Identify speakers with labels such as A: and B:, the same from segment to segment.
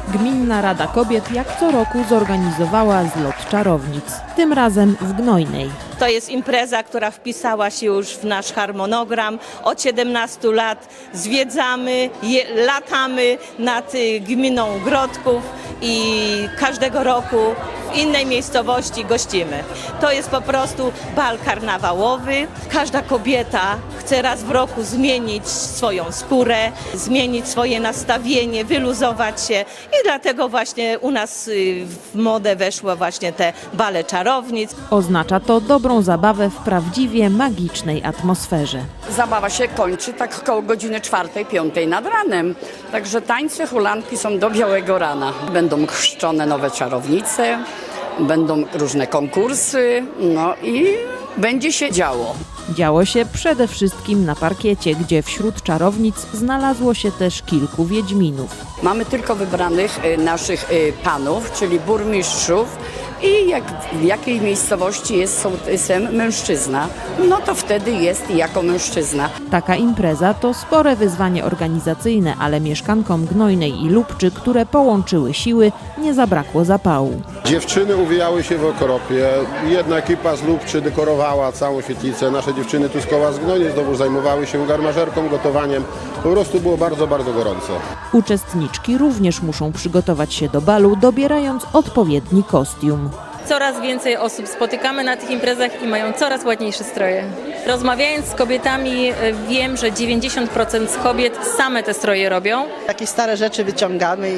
A: Gminna Rada Kobiet jak co roku zorganizowała zlot czarownic, tym razem w Gnojnej.
B: To jest impreza, która wpisała się już w nasz harmonogram. Od 17 lat zwiedzamy, latamy nad gminą Grodków i każdego roku w innej miejscowości gościmy. To jest po prostu bal karnawałowy. Każda kobieta chce raz w roku zmienić swoją skórę, zmienić swoje nastawienie, wyluzować się i dlatego właśnie u nas w modę weszło właśnie te bale czarownic.
A: Oznacza to dobrą zabawę w prawdziwie magicznej atmosferze.
C: Zabawa się kończy tak około godziny 4-5 nad ranem. Także tańce, hulanki są do białego rana. Będą chrzczone nowe czarownice, będą różne konkursy, no i będzie się działo.
A: Działo się przede wszystkim na parkiecie, gdzie wśród czarownic znalazło się też kilku wiedźminów.
C: Mamy tylko wybranych naszych panów, czyli burmistrzów i jak w jakiej miejscowości jest sołtysem mężczyzna, no to wtedy jest jako mężczyzna.
A: Taka impreza to spore wyzwanie organizacyjne, ale mieszkankom Gnojnej i Lubczy, które połączyły siły, nie zabrakło zapału.
D: Dziewczyny uwijały się w okropie. Jedna ekipa z Lubczy dekorowała całą świetlicę. Nasze dziewczyny tu z koła z Gnojnej znowu zajmowały się garmażerką, gotowaniem. Po prostu było bardzo, bardzo gorąco.
A: Uczestniczki również muszą przygotować się do balu, dobierając odpowiedni kostium.
E: Coraz więcej osób spotykamy na tych imprezach i mają coraz ładniejsze stroje. Rozmawiając z kobietami, wiem, że 90% z kobiet same te stroje robią.
F: Jakieś stare rzeczy wyciągamy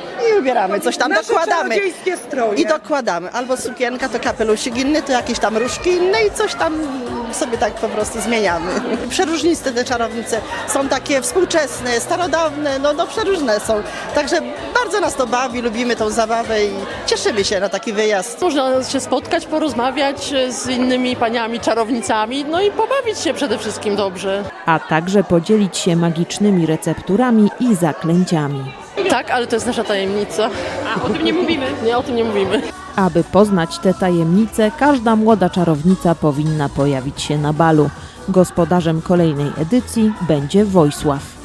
F: i ubieramy, coś tam dokładamy. I dokładamy. Albo sukienka, to kapelusik inny, to jakieś tam różki inne i coś tam sobie tak po prostu zmieniamy. Przeróżniste te czarownice. Są takie współczesne, starodawne, no przeróżne są. Także bardzo nas to bawi, lubimy tą zabawę i cieszymy się na taki wyjazd.
G: Można się spotkać, porozmawiać z innymi paniami czarownicami, no i pobawić się przede wszystkim dobrze.
A: A także podzielić się magicznymi recepturami i zaklęciami.
G: Tak, ale to jest nasza tajemnica. A o tym nie mówimy? Nie, o tym nie mówimy.
A: Aby poznać te tajemnice, każda młoda czarownica powinna pojawić się na balu. Gospodarzem kolejnej edycji będzie Wojsław.